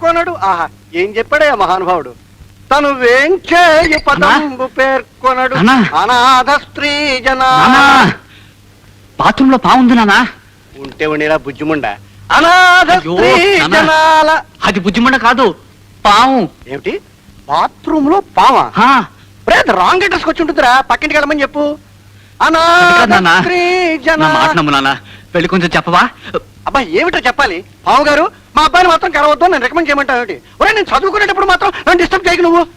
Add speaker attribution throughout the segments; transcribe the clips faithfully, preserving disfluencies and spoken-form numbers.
Speaker 1: పేర్కొనడు. ఆహా, ఏం చెప్పాడే మహానుభావుడు. తను వేంచేయు పదంబు పేర్కొనడు. అనాథ స్త్రీ జనా.
Speaker 2: బాత్రూమ్ లో పావుంది నానా.
Speaker 1: ఉంటే ఉండేరా బుజ్జిముండ. అనాథ స్త్రీ జనాల.
Speaker 2: అది బుజ్జిముండ కాదు, పావు.
Speaker 1: ఏమిటి బాత్రూమ్ లో పావా? రాంగ్ అడ్రస్ వచ్చి ఉంటుందిరా, పక్కింటికి వెళ్ళమని చెప్పు. అనాథ స్త్రీ జనాల.
Speaker 2: వెళ్ళి కొంచెం చెప్పవా?
Speaker 1: అబ్బా ఏమిటో చెప్పాలి. పావు గారు మా అబ్బాయిని మాత్రం కలవద్దు నేను రికమెండ్ చేయమంటావు ఏమిటి? ఒరే నేను చదువుకునేటప్పుడు మాత్రం నన్ను డిస్టర్బ్ చేయకు నువ్వు.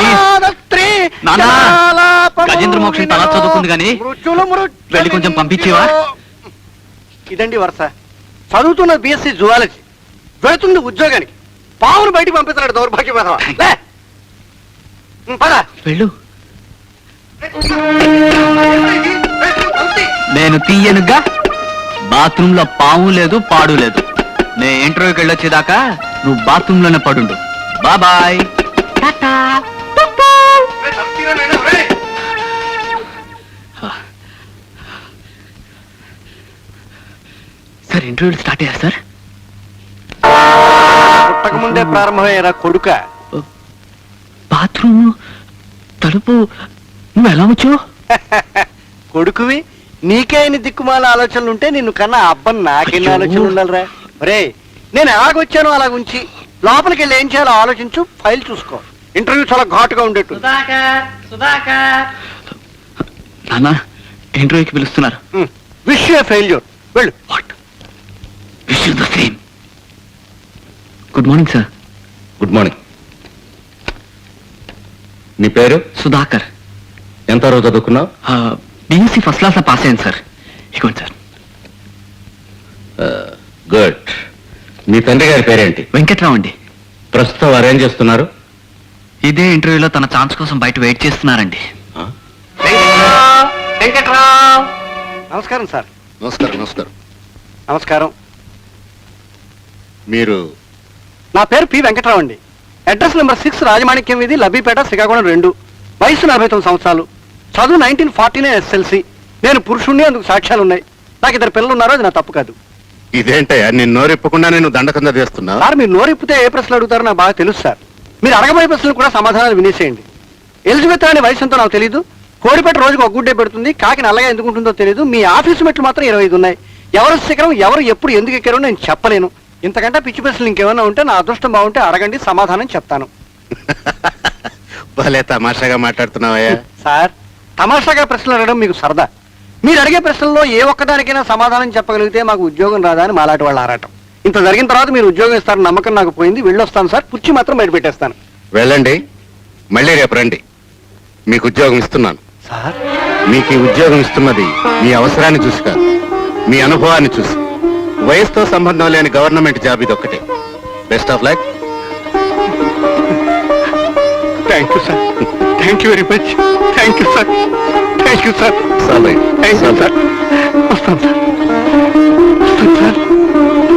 Speaker 2: గజేంద్ర మోక్షం తలా చదువుకుంది కానీ వెళ్ళి కొంచెం పంపించేవా?
Speaker 1: ఇదండి వరుస. చదువుతున్న బిఎస్సి జువాలజీ, వెళుతుంది ఉద్యోగానికి. పావును బయటికి పంపిస్తున్నాడు దౌర్భాగ్య పదవా.
Speaker 2: వెళ్ళు. నేను తీయనుగా. బాత్రూమ్ లో పాము లేదు, పాడు లేదు. నేను ఇంటర్వ్యూకి వెళ్ళొచ్చేదాకా నువ్వు బాత్రూమ్ లోనే పడుండు. బాబాయ్. సార్ ఇంటర్వ్యూ స్టార్ట్ అయ్యా సార్?
Speaker 1: పుట్టక ముందే ప్రారంభమయ్యారా కొడుక?
Speaker 2: బాత్రూమ్ తలుపు నువ్వు ఎలా వచ్చావు?
Speaker 1: కొడుకువి నీకే ఎన్ని దిక్కుమాల ఆలోచనలు ఉంటే నిన్ను కన్నా అబ్బన్ నాకెన్ని ఆలోచనలు ఉండాలిరా. రే నేను ఎలాగొచ్చానో అలాగ ఉంచి లోపలికి వెళ్ళి ఏం చేయాలో ఆలోచించు. ఫైల్ చూసుకో. ఇంటర్వ్యూ చాలా ఘాటుగా ఉండేట్టు.
Speaker 2: నాన్న ఇంటర్వ్యూకి పిలుస్తున్నారు.
Speaker 1: Wish you failure. వెళ్ళు.
Speaker 2: Wish you the same. Good morning sir.
Speaker 3: Good morning. నీ పేరు?
Speaker 2: సుధాకర్.
Speaker 3: ఎంత రోజు చదువుకున్నావు?
Speaker 2: బిఎస్సి ఫస్ట్ క్లాస్ లో పాస్ అయ్యాను సార్. ఇవ్వండి సార్.
Speaker 3: గుడ్. మీ తండ్రి గారి పేరేంటి?
Speaker 2: వెంకట్రావు అండి.
Speaker 3: ప్రస్తుతం వారు ఏం చేస్తున్నారు?
Speaker 2: ఇదే ఇంటర్వ్యూలో తన ఛాన్స్ కోసం బయట వెయిట్ చేస్తున్నారండి.
Speaker 1: నమస్కారం సార్.
Speaker 3: నమస్కారం. నమస్కారం.
Speaker 1: నమస్కారం.
Speaker 3: మీరు?
Speaker 1: నా పేరు పి వెంకట్రావు అండి. అడ్రస్ నెంబర్ సిక్స్ రాజమాణిక్యం వీధి, లబ్బిపేట, శ్రీకాకుళం రెండు. వయసు నలభై తొమ్మిది సంవత్సరాలు. చదువు నైన్టీన్ ఫార్టీనే ఎస్ఎల్సి. నేను పురుషుణ్ణి, అందుకు సాక్ష్యాలు ఉన్నాయి. నాకు ఇద్దరు పిల్లలు ఉన్నారు, అది నా తప్పు కాదు.
Speaker 3: ఇదేంటయ్యా నేను నోరిప్పకుండా నేను దండకంద చేస్తున్నా?
Speaker 1: సార్ మీరు నోరిప్పితే ఏ ప్రశ్నలు అడుగుతారో నాకు బాగా తెలుసు సార్. మీరు అడగబోయే ప్రశ్నలు కూడా సమాధానాలు వినేసేయండి. ఎలిజబెత్ అనే వయసు ఎంతో నాకు తెలియదు. కోడిపెట్ట రోజుకు ఒక గుడ్డే పెడుతుంది. కాకి నల్లగా ఎందుకు ఉంటుందో తెలియదు. మీ ఆఫీసు మెట్లు మాత్రం ఇరవై ఐదు ఉన్నాయి. ఎవరు శిఖరం, ఎవరు ఎప్పుడు ఎందుకు ఎక్కారో నేను చెప్పలేను. ఇంతకంటే పిచ్చి ప్రశ్నలు ఇంకేమన్నా ఉంటే నా అదృష్టం బాగుంటే అడగండి, సమాధానం చెప్తాను.
Speaker 3: భలే తమాషాగా మాట్లాడుతున్నావయ్యా.
Speaker 1: సార్ తమాషాగా ప్రశ్నలు అడగడం మీకు సరదా. మీరు అడిగే ప్రశ్నల్లో ఏ ఒక్కదానికైనా సమాధానం చెప్పగలిగితే మాకు ఉద్యోగం రాదా అని మాలాంటి వాళ్ళు ఆరాటం. ఇంత జరిగిన తర్వాత మీరు ఉద్యోగం ఇస్తారని నమ్మకం నాకు పోయింది. వెళ్ళొస్తాను సార్. కుర్చీ మాత్రం బయట పెట్టేస్తాను.
Speaker 3: వెళ్ళండి, మళ్ళీ రేపు రండి. మీకు ఉద్యోగం ఇస్తున్నాను.
Speaker 1: సార్
Speaker 3: మీకు ఈ ఉద్యోగం ఇస్తున్నది మీ అవసరాన్ని చూసి కాదు, మీ అనుభవాన్ని చూసి. వయసుతో సంబంధం లేని గవర్నమెంట్ జాబ్ ఇది ఒక్కటే. Best of luck.
Speaker 1: Thank you sir. Thank you very much. Thank you sir. Thank you sir.
Speaker 3: Sir
Speaker 1: thank you sir. వస్తాను సార్.